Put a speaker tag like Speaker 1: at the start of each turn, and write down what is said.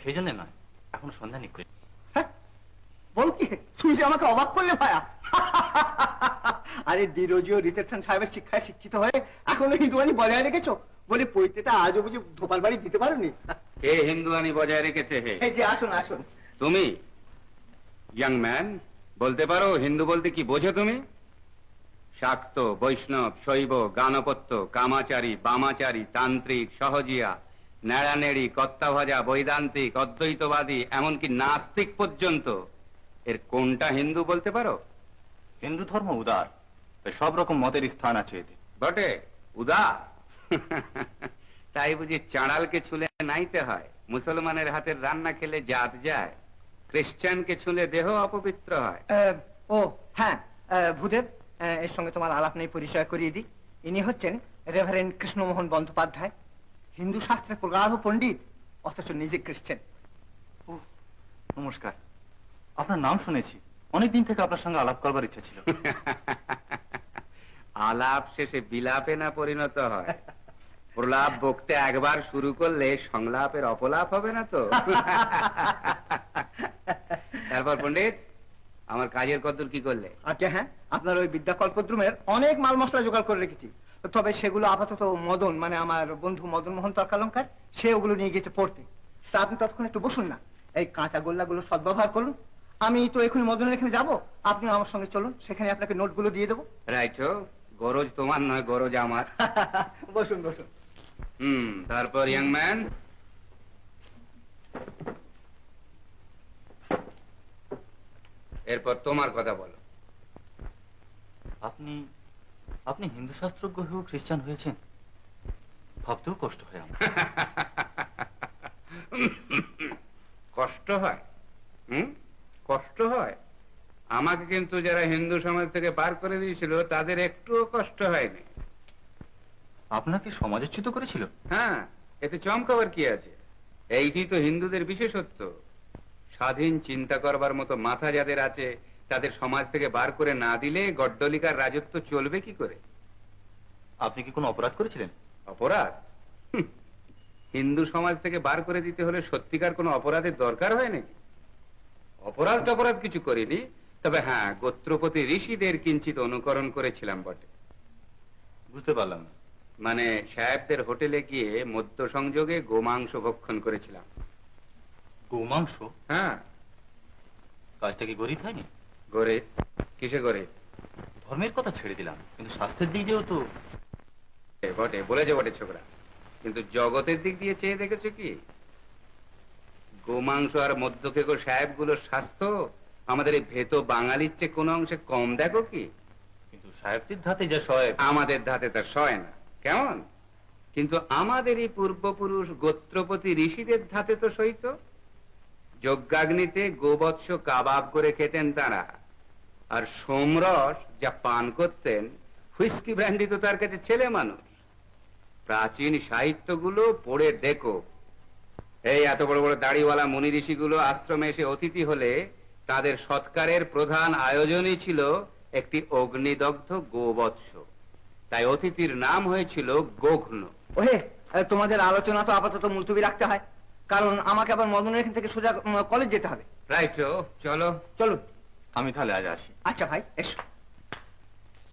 Speaker 1: সেই জন্য নয়, এখন সন্ধ্যা নিক।
Speaker 2: হ্যাঁ বল কি, তুমি যে আমাকে অবাক করলে ভায়া। আরে ডিরোজিও রিসেপশন সাহেবের শিক্ষায় শিক্ষিত হয়ে এখনো হিন্দুয়ানি বজায় রেখেছো, বলে পৈতেটা আজও বুঝে ধোপার বাড়ি দিতে পারোনি।
Speaker 3: কে হিন্দুয়ানি বজায় রেখেছে? হে
Speaker 2: এই যে আসুন আসুন।
Speaker 3: তুমি ইয়াং ম্যান, বলতে পারো হিন্দু বলতে কি বোঝো তুমি? শাক্ত, বৈষ্ণব, শৈব, গানপত্য, কামাচারী, বামাচারী, তান্ত্রিক, সহজিয়া, নেড়ানেড়ি, কর্তাভাজা, বৈদান্তিক, অদ্বৈতবাদী, এমনকি নাস্তিক পর্যন্ত, এর কোনটা হিন্দু বলতে পারো?
Speaker 1: হিন্দু ধর্ম উদার, সব রকম মতের স্থান আছে এতে।
Speaker 3: বটে উদার? তাই বুঝি চাঁড়ালকে ছুলে নাইতে হয়? মুসলমানের হাতের রান্না খেলে জাত যায়, খ্রিস্টানকে ছুলে দেহ অপবিত্র হয়।
Speaker 2: ও হ্যাঁ ভূদেব, এর সঙ্গে তোমার আলাপ নেই, পরিচয় করিয়ে দিই। ইনি হচ্ছেন রেভারেন্ড কৃষ্ণমোহন বন্দ্যোপাধ্যায়, হিন্দু শাস্ত্রে প্রগাঢ় পণ্ডিত, অথচ নিজে খ্রিস্টান।
Speaker 1: নমস্কার, আপনার নাম শুনেছি, অনেকদিন থেকে আপনার সঙ্গে আলাপ করবার ইচ্ছা ছিল।
Speaker 3: আলাপ শেষে বিলাপে না পরিণত হয়? প্রলাপ বকতে একবার শুরু করলে সংলাপের অপলাপ হবে না তো? তারপর পণ্ডিত, আমার কাজের কদ্দূর কি করলে?
Speaker 2: আচ্ছা হ্যাঁ, আপনার ওই বিদ্যাকল্পদ্রুমের অনেক মাল মশলা জোগাড় করে রেখেছি, তবে সেগুলো আপাতত মদন, মানে আমার বন্ধু মদন মোহন তর্কালঙ্কার, সে ওগুলো নিয়ে গেছে পড়তে। তা আপনি ততক্ষণ একটু বসুন না, এই কাঁচা গোল্লাগুলো সদ্ব্যবহার করুন। আমি তো এখনই মদনের এখানে যাবো, আপনি আমার সঙ্গে চলুন, সেখানে আপনাকে নোটগুলো দিয়ে দেবো।
Speaker 3: রাইট, গরজ তোমার নয়, গরজ আমার।
Speaker 2: বসুন বসুন।
Speaker 3: তারপর ইয়াং ম্যান, এরপর তোমার কথা বলো।
Speaker 1: আপনি আপনি হিন্দু শাস্ত্রজ্ঞ হয়েও খ্রিস্টান হয়েছেন, ভাবতেও কষ্ট হয় আমার।
Speaker 3: কষ্ট হয়? কষ্ট হয়? আমাকে কিন্তু যারা হিন্দু সমাজ থেকে বার করে দিয়েছিল তাদের একটুও কষ্ট হয়নি।
Speaker 1: আপনাকে সমাজচ্যুত করেছিল?
Speaker 3: হ্যাঁ, এতে চমকাবার কি আছে? এইটি তো হিন্দুদের বিশেষত্ব। স্বাধীন চিন্তা করবার মতো মাথা যাদের আছে, তাদের সমাজ থেকে বার করে না দিলে গড্ডলিকার রাজত্ব চলবে কি করে?
Speaker 1: আপনি কি কোনো অপরাধ করেছিলেন?
Speaker 3: অপরাধ? হিন্দু সমাজ থেকে বার করে দিতে হলে সত্যিকার কোনো অপরাধের দরকার হয় নাকি? অপরাধ টপরাধ কিছু করিনি, তবে হ্যাঁ, গোত্রপতি ঋষিদের কিঞ্চিত অনুকরণ করেছিলাম বটে।
Speaker 1: বুঝতে পারলাম না।
Speaker 3: মানে সাহেবদের হোটেলে গিয়ে মধ্য সংযোগে গোমাংস ভক্ষণ করেছিলাম।
Speaker 1: গোমাংস?
Speaker 3: হ্যাঁ।
Speaker 1: কাজটা কি গরিব হয়নি?
Speaker 3: গরে? কিসে গরে?
Speaker 1: ধর্মের কথা ছেড়ে দিলাম, কিন্তু স্বাস্থ্যের দিক দিয়েও তো।
Speaker 3: বটে, বলেছে বটে ছোকরা, কিন্তু জগতের দিক দিয়ে চেয়ে দেখেছে কি? গোমাংস আর মধ্যকেগো সাহেবগুলোর স্বাস্থ্য আমাদের এই ভেত বাঙালির চেয়ে কোনো অংশে কম দেখো কি?
Speaker 1: কিন্তু সাহেবদের ধাতে যা সয়,
Speaker 3: আমাদের ধাতে তা সয় না। কেমন? কিন্তু আমাদের এই পূর্বপুরুষ গোত্রপতি ঋষিদের ধাতে তো সইত। যজ্ঞাগ্নিতে গোবৎস কাবাব করে খেতেন তারা, আর সোমরস যা পান করতেন, হুইস্কি ব্র্যান্ডি তো তার কাছে ছেলে মানুষ। প্রাচীন সাহিত্যগুলো পড়ে দেখো। এই এত বড় বড় দাড়িওয়ালা মুনি ঋষিগুলো আশ্রমে এসে অতিথি হলে তাদের সৎকারের প্রধান আয়োজনই ছিল একটি অগ্নিদগ্ধ গোবৎস। তাই অতিথির নাম হয়েছিল গোঘ্ন।
Speaker 2: ওহে, তোমাদের আলোচনা তো আপাতত মুলতবি রাখতে হয়, কারণ আমাকে আবার মদনের এখান থেকে সোজা কলেজ যেতে হবে।
Speaker 3: রাইট, চলো।
Speaker 2: চলুন।
Speaker 1: আমি তাহলে আজ আসি।
Speaker 2: আচ্ছা ভাই, এসো।